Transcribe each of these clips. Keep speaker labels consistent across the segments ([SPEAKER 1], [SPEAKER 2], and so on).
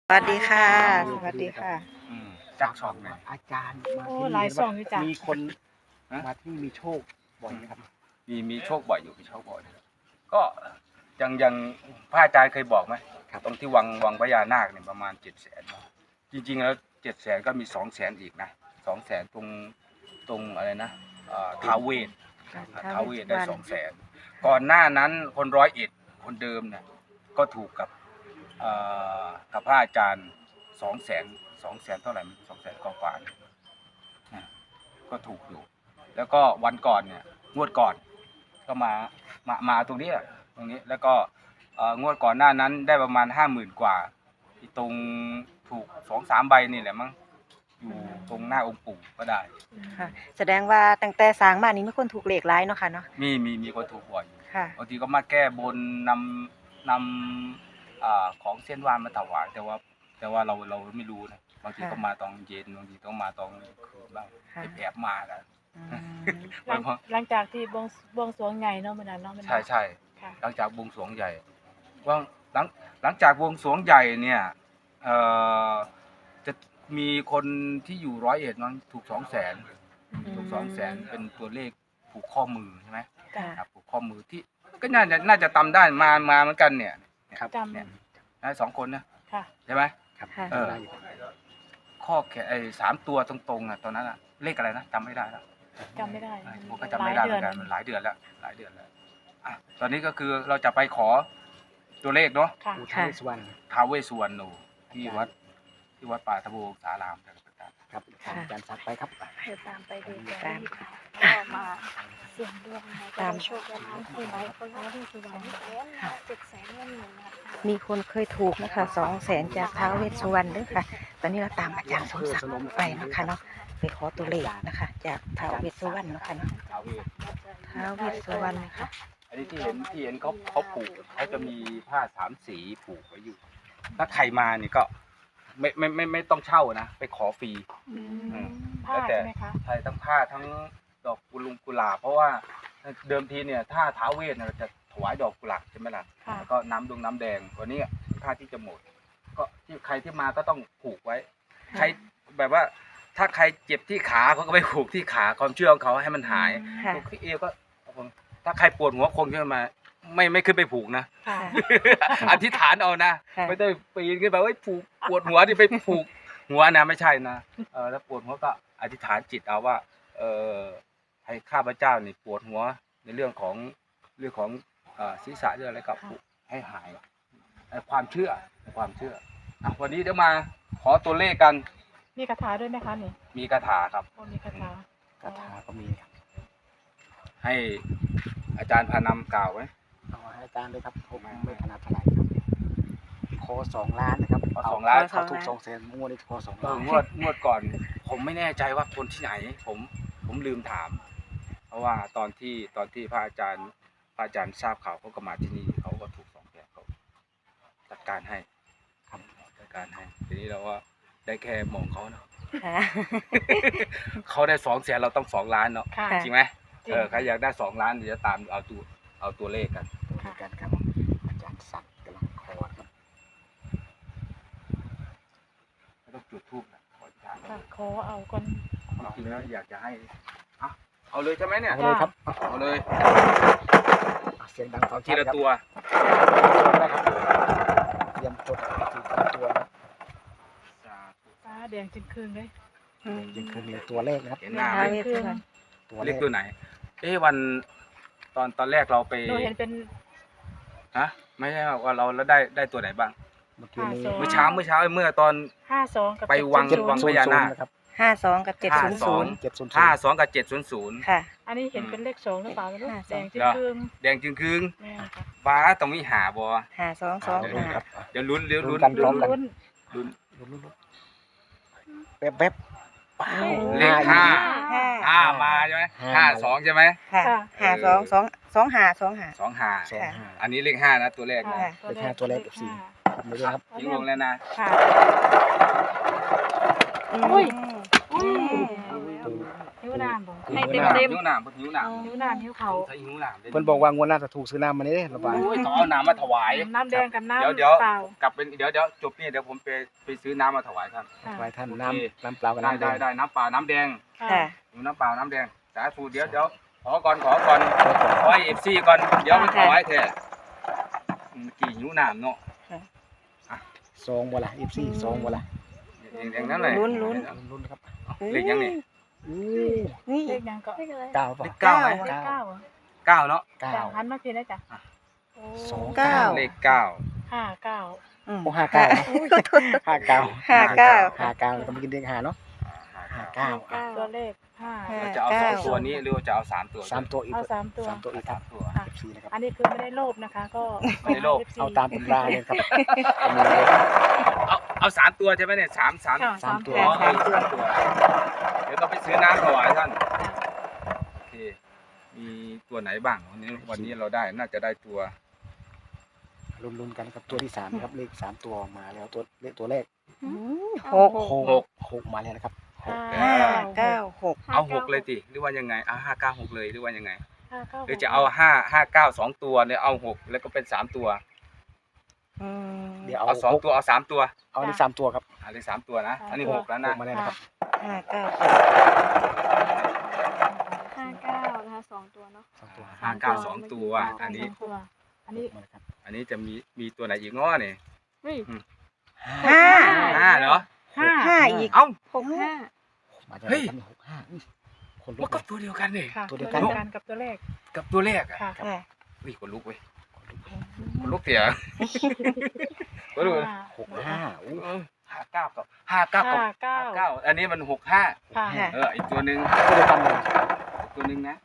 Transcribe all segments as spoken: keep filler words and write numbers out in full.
[SPEAKER 1] สวัสดีค่ะ สวัสดีค่ะ
[SPEAKER 2] อืมจากช่องเนี่ย
[SPEAKER 3] อาจารย์มา
[SPEAKER 4] โอ้
[SPEAKER 3] ที่นี่
[SPEAKER 4] หลายช่องอยู่จ้ะ
[SPEAKER 3] มีคน
[SPEAKER 2] ฮะ
[SPEAKER 3] มาที่มีโชคบ่อยไหมครับ
[SPEAKER 2] มีมีโชคบ่อยอยู่มีโชคบ่อยอยู่ก็ยังยังพระอาจารย์เคยบอกไหม
[SPEAKER 3] ครับ
[SPEAKER 2] ตรงที่วังวังพญานาคเนี่ยประมาณเจ็ดแสนจริงๆแล้วเจ็ดแสนก็มีสองแสนอีกนะสองแสนตรงตรงอะไรนะเอ่อท้าวเวส
[SPEAKER 1] ครับ
[SPEAKER 2] ท้าวเวสได้
[SPEAKER 1] ท้าวเวสสุวรรณ
[SPEAKER 2] สองแสนก่อนหน้านั้นคนร้อยเอ็ดคนเดิมเนี่ยก็ถูกกับเอ่อกับพระอาจารย์สองแสนสองแสนเท่าไหร่สองแสนกว่าๆเนี่ยนะก็ถูกอยู่ แล้วก็วันก่อนเนี่ยงวดก่อนก็มามามาตรงนี้แหละตรงนี้แล้วก็เอ่องวดก่อนหน้านั้นได้ประมาณห้าหมื่นกว่าที่ตรงถูกสองสามใบนี่แหละมั้งอยู่ตรงหน้าองค์ปู่ก็ได้
[SPEAKER 1] ค่ะ แสดงว่าตั้งแต่สร้างมานี้มีคนถูกเลขหลายเนาะค่ะเนาะ
[SPEAKER 2] มีมีมีคนถูกบ่อยอยู่
[SPEAKER 1] ค่ะ
[SPEAKER 2] บางทีก็มาแก้บนนำนำอ่าของเส้นไหว้มาถวายแต่ว่า แต่ว่าเราเราไม่รู้นะบางที
[SPEAKER 1] ค่ะ
[SPEAKER 2] ก็มาตอนเย็นบางทีต้องมาตอนคืนบ้าง
[SPEAKER 1] ค่ะ
[SPEAKER 2] แอบมากัน
[SPEAKER 1] อืม
[SPEAKER 4] หลังหลังจากที่บวงบวงสรวงใหญ่เนาะมันนั้นเนาะมัน
[SPEAKER 2] ใช่ใช่
[SPEAKER 4] ค่ะ
[SPEAKER 2] หลังจากบวงสรวงใหญ่ว่าหลังหลังจากบวงสรวงใหญ่เนี่ยเอ่อจะมีคนที่อยู่ร้อยเอ็ดนั้นถูกสองแสนถูกสองแสนเป็นตัวเลขผูกข้อมือใช่ไหม
[SPEAKER 1] ค่ะ
[SPEAKER 2] ครับผูกข้อมือที่ก็น่าจะน่าจะตำได้มามาเหมือนกันเนี่ย
[SPEAKER 3] ครับ
[SPEAKER 4] จ
[SPEAKER 2] เนี่ยนะสองคนนะ
[SPEAKER 4] ำค่ะ
[SPEAKER 2] ใช่ไหม
[SPEAKER 3] ครับ
[SPEAKER 1] ค่ะ
[SPEAKER 2] เออ
[SPEAKER 3] ได้อยู่
[SPEAKER 2] ข้อแขนไอ้สามตัวตรงๆอ่ะตอนนั้นอ่ะเลขอะไรนะจำไม่ได้แล้ว
[SPEAKER 4] จำไม่ได้
[SPEAKER 2] ผมก็จำไม่ได้เหมือนกันมันหลายเดือนแล้วหลายเดือนแล้วอ่ะตอนนี้ก็คือเราจะไปขอตัวเลขเนาะ
[SPEAKER 4] ค่ะ
[SPEAKER 3] อุทัยสวรรณ
[SPEAKER 2] ท้าวเวสสุวรรณโนที่วัดที่วัดป่าทะโบสารามจังหวัดตราด
[SPEAKER 3] ครับอาจารย์สักดิ์ไปครับ
[SPEAKER 4] เดี๋ยวตามไปดู
[SPEAKER 1] ตาม
[SPEAKER 4] ก็มาเสี่ยงดวงนะคะ
[SPEAKER 1] ตาม
[SPEAKER 4] โชคลาภที่ไหนคนละที่สุวรรณเจ็ดแสนเงินหนึ่งนะคะ
[SPEAKER 1] มีคนเคยถูกนะคะสองแสนจากท้าวเวสสุวรรณเด้วยค่ะ ตอนนี้เราตามอาจารย์สมศักดิ์ไปนะคะเนาะ ไปขอตัวเลขนะคะ จากท้าวเวสสุวรรณเนาะคะเนาะ
[SPEAKER 2] ท้าวเวส
[SPEAKER 1] ท้าวเวสสุวรรณนะคะ
[SPEAKER 2] อันนี้ที่เห็นที่เห็นเขาเขาผูกเขาจะมีผ้าสามสีผูกไว้อยู่ ถ้าใครมานี่ก็ไม่ไม่ไม่ไม่ต้องเช่านะไปขอฟรี
[SPEAKER 4] อืม
[SPEAKER 2] อืม
[SPEAKER 4] ผ้า
[SPEAKER 2] แล้วแต่
[SPEAKER 4] ใช่ไหมคะ
[SPEAKER 2] ใช่ทั้งผ้าทั้งดอกกุลุงกุหลาบเพราะว่าเดิมทีเนี่ยถ้าท้าวเวสเนี่ยเราจะถวายดอกกุหลาบใช่ไหมล่ะ
[SPEAKER 4] ค่ะ
[SPEAKER 2] แล้วก็น้ำดงน้ำแดงวันนี้ผ้าที่จะหมด ก็ที่ใครที่มาก็ต้องผูกไว้ ใครแบบว่าถ้าใครเจ็บที่ขาเขาก็ไปผูกที่ขาความเชื่อของเขาให้มันหาย
[SPEAKER 1] ค่ะ
[SPEAKER 2] ผูกที่เอวก็ถ้าใครปวดหัวคงขึ้นมา ไม่ไม่ขึ้นไปผูกนะ
[SPEAKER 4] ค่ะ
[SPEAKER 2] อธิษฐานเอานะ
[SPEAKER 1] ค่ะ
[SPEAKER 2] ไม่ได้ปีนขึ้นไปว่าผูกปวดหัวที่ไปผูกหัวนะไม่ใช่นะเออแล้วปวดหัวก็อธิษฐานจิตเอาว่า เออให้ข้าพเจ้านี่ปวดหัวในเรื่องของเรื่องของเอ่อศีรษะเรื่องอะไรก็ผูกให้หายไอ้ความเชื่อความเชื่ออ่ะวันนี้เดี๋ยวมาขอตัวเลขกัน
[SPEAKER 4] มีคาถาด้วยไหมคะนี่
[SPEAKER 2] มีคาถาครับ
[SPEAKER 4] โอ้มีคาถา
[SPEAKER 3] คาถาก็มีครับ
[SPEAKER 2] ให้อาจารย์พานำกล่าวไว้
[SPEAKER 3] เอาให้อาจารย์เลยครับผมไม่ถนัดเท่าไหร่ครับขอสองล้านนะครับ
[SPEAKER 2] ขอสองล้าน
[SPEAKER 3] เขาถูกสองแสนงวดนี้ขอสอง
[SPEAKER 2] เอ
[SPEAKER 3] ล้า
[SPEAKER 2] อน งวดงวดก่อน ผมไม่แน่ใจว่าคนที่ไหน ผมผมลืมถาม เพราะว่าตอนที่ตอนที่พระอาจารย์พระอาจารย์ทราบข่าวเขาก็มาที่นี่เขาก็ถูกสองแสนเขาจัดการให้ทำจัดการให้ทีนี้เราก็ได้แค่มองเขาเนาะ
[SPEAKER 1] ค่ะ
[SPEAKER 2] เขาได้สองแสนเราต้องสองล้านเนาะ
[SPEAKER 4] ค่ะ
[SPEAKER 1] ค่ะ
[SPEAKER 2] จริงไหม
[SPEAKER 4] จริง
[SPEAKER 2] เออใครอยากได้สองล้านเดี๋ยวจะตามเอาตัวเอาตัวเลขกัน
[SPEAKER 3] ดูด้วยกันครับอาจารย์สักดิ์กำลังขอครับ
[SPEAKER 2] ไม่ต้องจุดทูบนะขออธิษฐาน
[SPEAKER 4] ค่ะขอเอาก่อน
[SPEAKER 2] จริงๆแล้วอยากจะให้เอาเอาเลยใช่ไหมเนี่ย
[SPEAKER 3] เอาเลยครับ
[SPEAKER 2] เอาเลย
[SPEAKER 3] อ่ะเสียงดังฟัง
[SPEAKER 2] ที
[SPEAKER 3] ชัด
[SPEAKER 2] ละ
[SPEAKER 3] ครับ
[SPEAKER 2] ตัว
[SPEAKER 3] นะครับเตรียมจดทีละตัวนะ
[SPEAKER 4] ฟ้าแดงจึงคืนเลย
[SPEAKER 1] อืม
[SPEAKER 3] ยังคือมีตัวเลขนะครับ
[SPEAKER 2] เห็นหน้าไหม
[SPEAKER 1] ท้าวเวสสุวรรณ
[SPEAKER 3] ตัว
[SPEAKER 2] เล
[SPEAKER 3] เล
[SPEAKER 2] ข
[SPEAKER 3] ข
[SPEAKER 2] ตัวไหน เอ๊ะวันตอนตอนแรกเราไป
[SPEAKER 4] หนูเห็นเป็น
[SPEAKER 2] ฮะไม่ใช่ว่าเราแล้วได้ได้ตัวไหนบ้าง
[SPEAKER 3] เมื่อกี้นี้
[SPEAKER 4] ห้าสอง
[SPEAKER 2] เมื่อเช้าเมื่อเช้าเมื่อตอน
[SPEAKER 4] ห้าสองกับ
[SPEAKER 2] ไปวัง
[SPEAKER 4] เจ็ด
[SPEAKER 2] วัง
[SPEAKER 4] ศู
[SPEAKER 2] พ
[SPEAKER 4] นย์
[SPEAKER 2] ญานาค
[SPEAKER 3] นะครับ
[SPEAKER 1] ห้าสองกับเจ็ดศูนย์ศูนย์
[SPEAKER 3] เจ็ดศูนย์
[SPEAKER 2] ห้าสองกับเจ็ดศูนย์ศูนย์
[SPEAKER 1] ค่ะ
[SPEAKER 4] อันนี้เห็นเป็นเลขสองหรือเปล่าไม่รู้
[SPEAKER 1] ห้าส
[SPEAKER 4] แด
[SPEAKER 1] อง
[SPEAKER 4] งจึงคืน
[SPEAKER 2] แดงจึงคืง
[SPEAKER 4] แม่ค่ะ
[SPEAKER 2] ฟ้าต้องมีหาบ่
[SPEAKER 1] ห้าสองสอง
[SPEAKER 2] เดี๋ยว
[SPEAKER 1] ห้า
[SPEAKER 3] ครับ
[SPEAKER 2] เดี๋ยวลุ้นเดี๋ยวลุ้น
[SPEAKER 3] ลุ้นกัน พร้อมกัน
[SPEAKER 4] ลุ้น
[SPEAKER 2] ลุ้น
[SPEAKER 3] ลุ้นลุ้นลุ้นแป๊บแป๊บว้าว
[SPEAKER 2] เลขห้า
[SPEAKER 1] ห้า
[SPEAKER 2] ห้ามาใช่ไหม
[SPEAKER 3] ห้า
[SPEAKER 2] ห้าสองใช่ไหม
[SPEAKER 1] ค่ะห้าสองสองสองห้าสองห้า
[SPEAKER 2] สองห้า
[SPEAKER 3] สองห้า
[SPEAKER 2] อันนี้เลขห้านะตัวแรกนะ
[SPEAKER 4] ค่ะ
[SPEAKER 3] เลขห้าตัวเลขสี่ ไม่ด้วยครับ
[SPEAKER 2] ทิ้งลงแล้วนะ
[SPEAKER 4] ค่ะ
[SPEAKER 1] อืม
[SPEAKER 4] อุ้ย
[SPEAKER 1] อืม
[SPEAKER 3] ดู
[SPEAKER 4] นิ้วน้ำบ่
[SPEAKER 3] ให้เต็ม
[SPEAKER 2] หิวน้ำหิวน้ำ
[SPEAKER 4] นิ้วน้ำนิ้วเขา
[SPEAKER 2] ใส่หิวน้ำได้
[SPEAKER 3] เพิ่นบอกว่างวดหน้าจะถูกซื้อน้ำมานี่เด้ระบาย
[SPEAKER 2] โอ้ยต้องเอาน้ำมาถวาย
[SPEAKER 4] น้ำแดงกับน้ำ
[SPEAKER 2] เดี๋ยวเดี๋ยว
[SPEAKER 4] เปล่าก
[SPEAKER 2] ลับเป็นเดี๋ยวเดี๋ยวจบนี่เดี๋ยวผมไปไปซื้อน้ำมาถวายท่าน
[SPEAKER 4] ค่ะ
[SPEAKER 3] ไว้ท่าน
[SPEAKER 2] โอเค
[SPEAKER 3] น้ำน้ำเปล่ากับ
[SPEAKER 2] ได้
[SPEAKER 3] น้ำแด
[SPEAKER 2] ได้
[SPEAKER 3] ง
[SPEAKER 2] ได้น้ำเปล่าน้ำแดง
[SPEAKER 1] ค่ะ
[SPEAKER 2] หิวน้ำเปล่าน้ำแดงสาธุเดี๋ยวเดี๋ยวขอก่อนขอก่อน
[SPEAKER 3] ขอก่อน
[SPEAKER 2] ขอให้เอฟซีก่อนเดี๋ยวไป
[SPEAKER 1] ค่ะ
[SPEAKER 2] ถวายแท้เมื่อกี้หิวน้ำเนาะ
[SPEAKER 3] ซองบ่ล่ะ เอฟ ซี ซองบ่ล่ะ
[SPEAKER 2] อย่างอย่างนั้นเลย
[SPEAKER 1] ลุ้นลุ้น
[SPEAKER 3] ลุ้นๆครับ
[SPEAKER 2] เลขยังนี่
[SPEAKER 3] อู้
[SPEAKER 1] นี่
[SPEAKER 4] เลขยังก็
[SPEAKER 5] เลขอะไร
[SPEAKER 3] เก้าป่ะ
[SPEAKER 2] เลขเก้าไหม
[SPEAKER 4] เลขเก้าเหรอ
[SPEAKER 2] เก้าเนาะ
[SPEAKER 3] เก้า
[SPEAKER 4] จ้ะหันมาเพียงได้จ้ะโอ้
[SPEAKER 3] สอง
[SPEAKER 1] เก้า
[SPEAKER 2] เลขเก้า
[SPEAKER 4] ห้าเก้า
[SPEAKER 1] อืม
[SPEAKER 3] โอ้ห้าเก้าห้าเก้า
[SPEAKER 1] ห้าเก้า
[SPEAKER 3] ห้าเก้าต้องไปกินเด็กหาเนาะห้าเก้า
[SPEAKER 5] เก้า
[SPEAKER 4] ตัวเลขห้า
[SPEAKER 1] ห้า
[SPEAKER 2] เราจะเอาสองตัวนี้หรือว่าจะเอาสามตัว
[SPEAKER 3] สามตัวอีก
[SPEAKER 4] เอาสามตัว
[SPEAKER 3] สามตัวอีกค
[SPEAKER 2] สา
[SPEAKER 3] รับ
[SPEAKER 2] มตัว
[SPEAKER 4] ค่ะ
[SPEAKER 3] เอฟ ซี นะครับ
[SPEAKER 4] อันนี้คือไม่ได้โลภนะคะ ก็
[SPEAKER 2] ไม่ได้โลภ
[SPEAKER 3] เอาตามตำราเลยครับ
[SPEAKER 2] เอาเอาสามตัวใช่ไหมเนี่ยสามสาม
[SPEAKER 4] ค่ะ
[SPEAKER 3] สามตัว
[SPEAKER 2] อ๋อเออสามตัวเดี๋ยวก็ไปซื้อน้ำถวายท่านโอเคมีตัวไหนบ้างวันนี้วันนี้เราได้น่าจะได้ตัว
[SPEAKER 3] ลุ้นๆกันครับตัวที่สามนะครับเลขสามตัวมาแล้วตัวเลขตัวแรก
[SPEAKER 1] อืมหก
[SPEAKER 2] หก
[SPEAKER 3] หกมาแล้วนะครับหก
[SPEAKER 4] ห้า
[SPEAKER 1] ห้าเก้าหก
[SPEAKER 2] เอาหกเลยติหรือว่ายังไงเอาห้าเก้าหกเลยหรือว่ายังไง
[SPEAKER 4] ห้าเก้า
[SPEAKER 2] หรือจะเอาห้าห้าเก้าสองตัวเนี่ยเอาหกแล้วก็เป็นสามตัว
[SPEAKER 1] อืม
[SPEAKER 3] เดี๋ยวเอา
[SPEAKER 2] เอาสอง
[SPEAKER 3] หก
[SPEAKER 2] ตัวเอาสามตัว
[SPEAKER 3] เอาในสามตัวครับ
[SPEAKER 2] อันนี้สามตัวนะอันนี้หกแล้ว
[SPEAKER 3] ห
[SPEAKER 2] นะ
[SPEAKER 3] กมาแล้วนะครับ
[SPEAKER 1] ห้าเก้าหก
[SPEAKER 5] ห้าเก้านะคะสองตัวเนาะ
[SPEAKER 3] สองตัว
[SPEAKER 2] ห้าเก้าสองตัวอันนี้
[SPEAKER 4] สงตัวอันนี้
[SPEAKER 3] มาแล้วครับ
[SPEAKER 2] อันนี้จะมีมีตัวไหนอีกง้อเนี่ย
[SPEAKER 5] เฮ้ย
[SPEAKER 1] ห้า
[SPEAKER 2] ห้าเนาะ
[SPEAKER 4] ห้า
[SPEAKER 1] ห้าอีก
[SPEAKER 2] เอ้า
[SPEAKER 5] หกห้า
[SPEAKER 3] มาจาก
[SPEAKER 2] เฮ้ย
[SPEAKER 3] ไหนครับหกห้าอุ้ยคนลุ
[SPEAKER 2] มัน
[SPEAKER 3] ก
[SPEAKER 2] ก็
[SPEAKER 3] เลย
[SPEAKER 2] ตัวเดียวกันนี่
[SPEAKER 4] ค่ะ
[SPEAKER 3] ตัวเดียว
[SPEAKER 4] กั
[SPEAKER 3] กัน
[SPEAKER 4] นกับตัวเลข
[SPEAKER 2] กับตัวแรกอ่ะ
[SPEAKER 4] ค่ะ
[SPEAKER 1] ค่ะ
[SPEAKER 2] อุ้ยคนลุกเว้ยคนลุกเสียคนลุก
[SPEAKER 4] ห้า
[SPEAKER 3] หกห้าอุ้ย
[SPEAKER 2] ห้าเก้ากับห้าเก้ากับ
[SPEAKER 4] ห้าเก้า
[SPEAKER 2] ห้าเก้าอันนี้มันหกห้า
[SPEAKER 4] ค่ะ
[SPEAKER 1] ค่ะ
[SPEAKER 2] เอออีกตัวหนึ่ง
[SPEAKER 3] ตัวเดียวกันเลย
[SPEAKER 2] ตัวหนึ่งนะ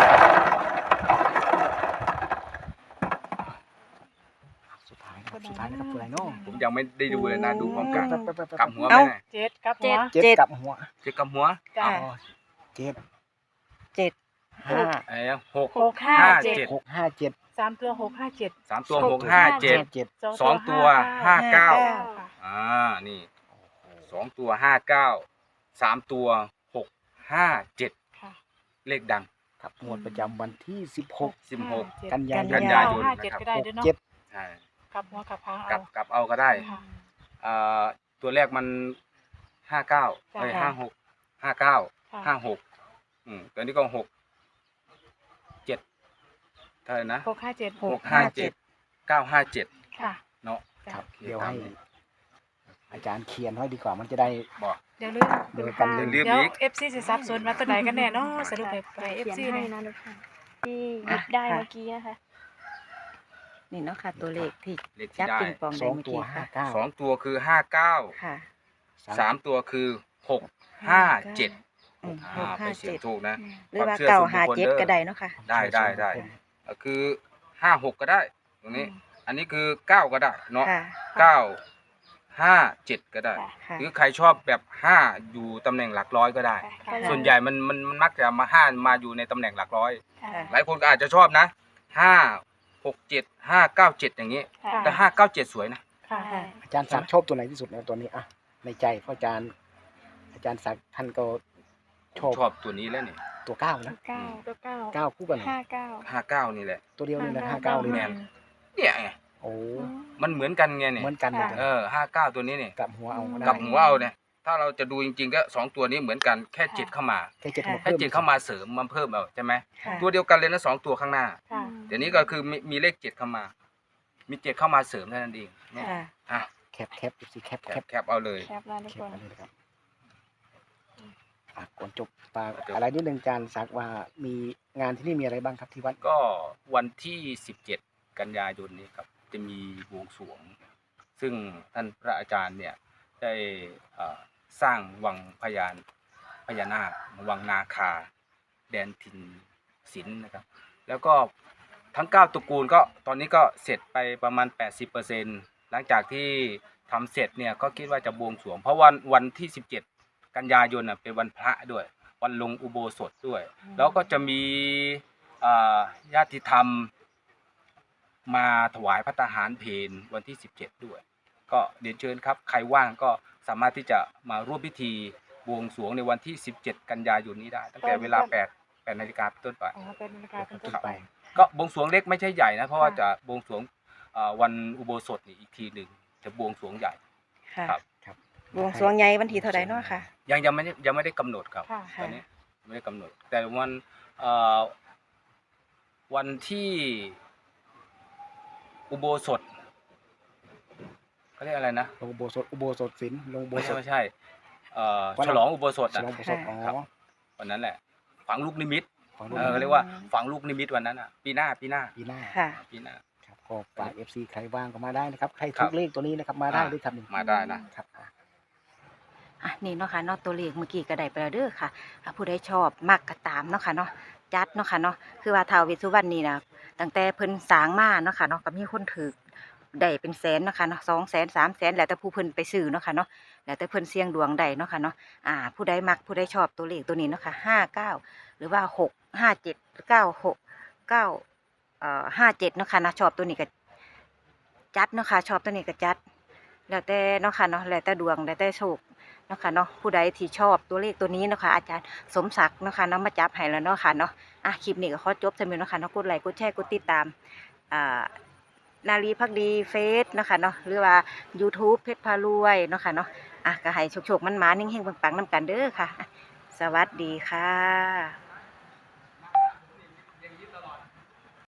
[SPEAKER 3] สุดท้ายนะครับสุดท้ายนะครับตัวไหนเนาะ
[SPEAKER 2] ผมยังไม่ได้ดูเลยนะดูพร้อมกัน
[SPEAKER 3] แป๊บแป๊บแป๊บแป๊บ
[SPEAKER 2] กลับหัวไหม
[SPEAKER 1] เอ้า
[SPEAKER 2] เนี่ย
[SPEAKER 4] เจ็ดกับหัว
[SPEAKER 3] เจ็ดกับหัว
[SPEAKER 2] เจ็ดกับหัว
[SPEAKER 4] จ้ะ
[SPEAKER 1] ค่ะ
[SPEAKER 3] อ๋อเจ็ด
[SPEAKER 1] เจ็ด
[SPEAKER 3] ห้า
[SPEAKER 2] ไอ้หก
[SPEAKER 4] หกห้า
[SPEAKER 2] ห้า
[SPEAKER 4] เจ็ด
[SPEAKER 2] เจ็ด
[SPEAKER 3] หกห้าเจ็ด
[SPEAKER 4] สามตัวหกห้าเจ็ด
[SPEAKER 2] สามตัวหกห้าเจ็ด
[SPEAKER 3] เจ็ด
[SPEAKER 2] สองตัวห้าเก้า
[SPEAKER 4] ค่ะ
[SPEAKER 2] อ่านี่สองตัวห้าเก้าสามตัวหกห้าเจ็ด
[SPEAKER 4] ค่ะ
[SPEAKER 2] เลขดัง
[SPEAKER 3] ครับงวดประจำวันที่สิบหก
[SPEAKER 2] สิบหก
[SPEAKER 3] กันยายน
[SPEAKER 2] กันยายน
[SPEAKER 4] ห้าเจ็ดก็ได้
[SPEAKER 3] หก
[SPEAKER 4] ด้วยเนาะ
[SPEAKER 3] เจ็ด
[SPEAKER 2] ใช่
[SPEAKER 4] กลับหัวกลับหาง
[SPEAKER 2] กลั
[SPEAKER 4] เอา
[SPEAKER 2] บกลับเอาก็ได้
[SPEAKER 4] ค่ะ
[SPEAKER 2] อ่าตัวแรกมันห้าเก้า
[SPEAKER 4] จ้ะ
[SPEAKER 2] เอ้ยห้าหกห้าเก้า
[SPEAKER 4] ค่ะ
[SPEAKER 2] ห้าหกอืมตัวนี้ก็หกเจ็ดเท่าไหร่นะ
[SPEAKER 4] หกห้าเจ็ด
[SPEAKER 2] หกห้าเจ็ดเก้าห้าเจ็ด
[SPEAKER 4] ค่ะ
[SPEAKER 2] เนาะ
[SPEAKER 4] จ้ะ
[SPEAKER 3] ครับ
[SPEAKER 2] โอเค
[SPEAKER 3] เดี๋ยว
[SPEAKER 2] ตาม
[SPEAKER 3] ให้
[SPEAKER 2] นี้
[SPEAKER 3] อาจารย์เขียนให้ดีกว่ามันจะได้
[SPEAKER 2] บอก
[SPEAKER 4] เดี๋ยวลืม
[SPEAKER 3] เดี๋ยวกัน
[SPEAKER 2] อย่า
[SPEAKER 3] ลื
[SPEAKER 2] ลื
[SPEAKER 3] ม
[SPEAKER 2] ม
[SPEAKER 4] เดี๋ยว
[SPEAKER 2] อีก
[SPEAKER 4] เอฟซีจะซับซ้อนมาตัวไหนกันแน่เนาะสรุปไปไปเอฟ
[SPEAKER 5] เขียน
[SPEAKER 4] ซี
[SPEAKER 5] ให้
[SPEAKER 4] เลย
[SPEAKER 5] นะทุกท่านที่หยิบได้เมื่อกี้นะคะ
[SPEAKER 1] นี่เนาะค่ะตัวเลขที่
[SPEAKER 2] เลข
[SPEAKER 1] จั
[SPEAKER 2] ที่
[SPEAKER 1] บ
[SPEAKER 2] ได้
[SPEAKER 1] ปิงปอง
[SPEAKER 3] ส
[SPEAKER 1] ได้
[SPEAKER 3] อง
[SPEAKER 1] เมื่อ
[SPEAKER 3] ตัว
[SPEAKER 1] กี้
[SPEAKER 3] ห้า
[SPEAKER 1] ค่ะ
[SPEAKER 3] เก้า
[SPEAKER 2] สองตัวคือห้าเก้า
[SPEAKER 1] ค่ะ
[SPEAKER 2] สามตัวคือหกห้าเจ็ด
[SPEAKER 1] อืมห
[SPEAKER 2] อ่าก ไป
[SPEAKER 1] ห้า
[SPEAKER 2] เสีย
[SPEAKER 1] เจ็
[SPEAKER 2] ง
[SPEAKER 1] ด
[SPEAKER 2] ถูกนะ
[SPEAKER 1] หรือว่า
[SPEAKER 2] ความเชื่อ
[SPEAKER 1] เก้า
[SPEAKER 2] ส่วนบุคคล
[SPEAKER 1] ห้าเจ็ด
[SPEAKER 2] เด้อ
[SPEAKER 1] ก็ได้เนาะค่ะ
[SPEAKER 2] ได้ได้ได้ก็คือห้าหกก็ได้ ตรงนี้ อันนี้คือเก้าก็ได้เนาะ
[SPEAKER 1] ค่ะ
[SPEAKER 2] เก้าห้าเจ็ดก็ได้
[SPEAKER 1] ค่ะ
[SPEAKER 2] หรือใครชอบแบบห้าอยู่ตำแหน่งหลักร้อยก็ได้
[SPEAKER 4] ค่ะ
[SPEAKER 2] ส่วนใหญ่มันมันมันมักจะมาห้ามาอยู่ในตำแหน่งหลักร้อย
[SPEAKER 4] ค่ะ
[SPEAKER 2] หลายคนก็อาจจะชอบนะห้าหกเจ็ดห้าเก้าเจ็ดอย่างนี้
[SPEAKER 4] ค่ะ
[SPEAKER 2] แต่ห้าเก้าเจ็ดสวยนะ
[SPEAKER 4] ค่ะ
[SPEAKER 1] ค่ะ
[SPEAKER 3] อาจารย์ศักดิ์ชอบตัวไหนที่สุดนะตัวนี้อ่ะในใจเพราะอาจารย์ อาจารย์ศักดิ์ท่านก็ชอบ
[SPEAKER 2] ชอบตัวนี้แล้วนี่
[SPEAKER 3] ตัวเก้านะ
[SPEAKER 5] เก้า
[SPEAKER 4] ตัวเก้า
[SPEAKER 3] เก้าคู่กันเหรอ
[SPEAKER 5] ห้าเก้า
[SPEAKER 2] ห้าเก้านี่แหละ
[SPEAKER 3] ตัวเดียวนี่นะห้าเก้าเลย
[SPEAKER 2] แม
[SPEAKER 3] นะ
[SPEAKER 2] น เนี่ยไง
[SPEAKER 3] โอ้
[SPEAKER 2] มันเหมือนกันไงเนี่ย
[SPEAKER 3] เหมือนกันเลย
[SPEAKER 2] เออห้าเก้าตัวนี้เนี่ย
[SPEAKER 3] กลับหัวเอาก็ได้
[SPEAKER 2] กับหัวเอาเนี่ยถ้าเราจะดูจริงๆก็สองตัวนี้เหมือนกันแค่เจ็ดเข้ามา
[SPEAKER 3] แค่เจ็ดมา
[SPEAKER 2] แค่
[SPEAKER 3] เพิ่ม
[SPEAKER 2] เจ็ดเข้ามาเสริมมาเพิ่มเอาใช่ไหม
[SPEAKER 1] ค่ะ
[SPEAKER 2] ตัวเดียวกันเลยนะสองตัวข้างหน้า
[SPEAKER 4] ค่ะ
[SPEAKER 2] เดี๋ยวนี้ก็คือมีมีเลขเจ็ดเข้ามา มีเจ็ดเข้ามาเสริมเท่านั้นเองเนี่ย
[SPEAKER 1] ค่ะ
[SPEAKER 2] อ่ะ
[SPEAKER 3] แคปแคปสิแคป
[SPEAKER 2] แค
[SPEAKER 3] แค
[SPEAKER 2] ป
[SPEAKER 3] ป
[SPEAKER 2] แคปเอาเลย
[SPEAKER 5] แคปแล้วทุก
[SPEAKER 3] แค
[SPEAKER 5] ค
[SPEAKER 3] ป
[SPEAKER 5] น
[SPEAKER 3] อันนี้นะครับอ่ะก่อนจบปาก
[SPEAKER 2] จบ
[SPEAKER 3] อะไรนิดนึงอาจารย์ศักดิ์ว่ามีงานที่นี่มีอะไรบ้างครับที่วัด
[SPEAKER 2] ก็วันที่สิบเจ็ดกันยายนนี้ครับจะมีบวงสรวง ซึ่งท่านพระอาจารย์เนี่ยได้เอ่อสร้างวังพญานพญานาควังนาคา แดนถิ่นศิลป์นะครับ แล้วก็ทั้งเก้าตระกูลก็ตอนนี้ก็เสร็จไปประมาณ แปดสิบเปอร์เซ็นต์ หลังจากที่ทำเสร็จเนี่ยก็คิดว่าจะบวงสรวง เพราะวันวันที่สิบเจ็ดกันยายนน่ะเป็นวันพระด้วย วันลงอุโบสถด้วย แล้วก็จะมีอ่าญาติธรรมมาถวายพระทหารเพลวันที่สิบเจ็ดด้วย ก็เรียนเชิญครับใครว่างก็สามารถที่จะมาร่วมพิธีบวงสรวงในวันที่สิบเจ็ดกันยายนนี้ได้ ตั้งแต่เวลาแปด แปดนาฬิกาเป็นต้นไป
[SPEAKER 4] อ๋อเป็นนาฬิกาเป็นต้น
[SPEAKER 3] ไป
[SPEAKER 2] ก็บวงสรวงเล็กไม่ใช่ใหญ่นะเพราะว่า
[SPEAKER 4] ค่ะ
[SPEAKER 2] จะบวงสรวงเอ่อวันอุโบสถนี่อีกทีหนึ่งจะบวงสรวงใหญ่
[SPEAKER 1] ค่ะ
[SPEAKER 2] ครับ
[SPEAKER 3] ครับ
[SPEAKER 1] บวงสรวงใหญ่วันที่เท่าไหร่เนาะค่ะ
[SPEAKER 2] ยังยังไม่ได้ยังไม่ได้กำหนดครับ
[SPEAKER 4] ค่ะ
[SPEAKER 2] ตอนนี้ไม่ได้กำหนด แต่วันเอ่อวันที่อุโบสถเขาเรียกอะไรนะ
[SPEAKER 3] ลงอุโบสถอุโบสถศีลลงอุโบ
[SPEAKER 2] ไม่
[SPEAKER 3] ส
[SPEAKER 2] ใช่
[SPEAKER 3] ถ
[SPEAKER 2] ไม่ใช่เอ่อ
[SPEAKER 3] วัน
[SPEAKER 2] ฉลองอุโบสถ
[SPEAKER 3] ฉ
[SPEAKER 2] นะ
[SPEAKER 3] ลองอุโบสถอ๋อ
[SPEAKER 2] ครับ วันนั้นแหละ ฝังลูกนิมิต
[SPEAKER 3] ฝังลูก
[SPEAKER 2] เออเขาเรียกว่าฝังลูกนิมิตวันนั้นอ่ะ ปีหน้าปีหน้า
[SPEAKER 3] ปีหน้า
[SPEAKER 1] ค่ะ
[SPEAKER 2] ปีหน้า
[SPEAKER 3] ครับก็ฝาก เอฟ ซี ใครว่างก็มาได้นะครับใคร
[SPEAKER 2] ครั
[SPEAKER 3] ทุ
[SPEAKER 2] บ
[SPEAKER 3] กเลขตัวนี้นะครับมาได้
[SPEAKER 2] อ่า
[SPEAKER 3] ด้วยครับนี่
[SPEAKER 2] มาได้นะ
[SPEAKER 3] ครับอ่ะ
[SPEAKER 1] อ่ะนี่เนาะค่ะเนาะตัวเลขเมื่อกี้ก็ได้ไปแล้วเด้อค่ะถ้าผู้ใดชอบมักก็ตามเนาะค่ะเนาะจัดเนาะค่ะเนาะคือว่าท้าวเวสสุวรรณนี่นะตั้งแต่เพิ่นสร้างมาเนาะค่ะเนาะก็มีคนถือได้เป็นแสนเนาะค่ะเนาะสองแสนสามแสนแล้วแต่ผู้เพิ่นไปซื้อเนาะค่ะเนาะแล้วแต่เพิ่นเสี่ยงดวงได้เนาะค่ะเนาะอ่า ผู้ใดมักผู้ใดชอบตัวเลขตัวนี้เนาะค่ะห้าเก้าหรือว่าหกห้าเจ็ดเก้าหกเก้าเอ่อห้าเจ็ดเนาะค่ะนะชอบตัวนี้ก็จัดเนาะค่ะชอบตัวนี้ก็จัด แล้วแต่เนาะค่ะเนาะแล้วแต่ดวงแล้วแต่โชคเนาะค่ะเนาะผู้ใดที่ชอบตัวเลขตัวนี้เนาะค่ะอาจารย์สมศักดิ์เนาะค่ะเนาะมาจับให้แล้วเนาะค่ะเนาะอ่ะคลิปนี้ก็ขอจบสำหรับเนาะค่ะเนาะกดไลค์กดแชร์กดติดตามอ่านารีพักดีเฟซเนาะค่ะเนาะหรือว่า YouTube เพชรพารวยเนาะค่ะเนาะอ่ะก็ให้โชคๆมันหมานิ่งๆปังๆนำกันเด้อค่ะอ่ะสวัสดีค่ะ